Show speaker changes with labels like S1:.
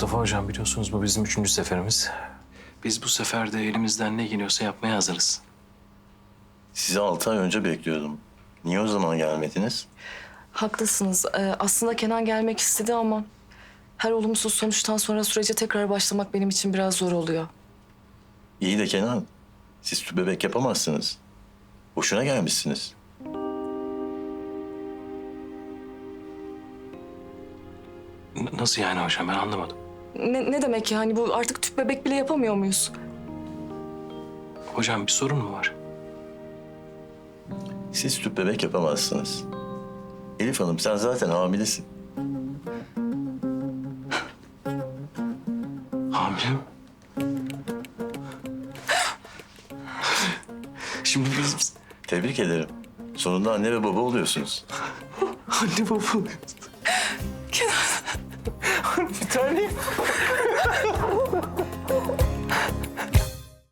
S1: Mustafa Hocam, biliyorsunuz bu bizim 3. seferimiz. Biz bu sefer de elimizden ne geliyorsa yapmaya hazırız.
S2: Sizi 6 ay önce bekliyordum. Niye o zaman gelmediniz?
S3: Haklısınız. Aslında Kenan gelmek istedi ama her olumsuz sonuçtan sonra sürece tekrar başlamak benim için biraz zor oluyor.
S2: İyi de Kenan, siz tüp bebek yapamazsınız. Boşuna gelmişsiniz.
S1: Nasıl yani hocam, ben anlamadım.
S3: Ne demek yani bu, artık tüp bebek bile yapamıyor muyuz?
S1: Hocam bir sorun mu var?
S2: Siz tüp bebek yapamazsınız. Elif Hanım, sen zaten hamilesin.
S1: Hamile mi? Şimdi biz
S2: Tebrik ederim. Sonunda anne ve baba oluyorsunuz.
S1: anne baba oluyoruz. Bir tane.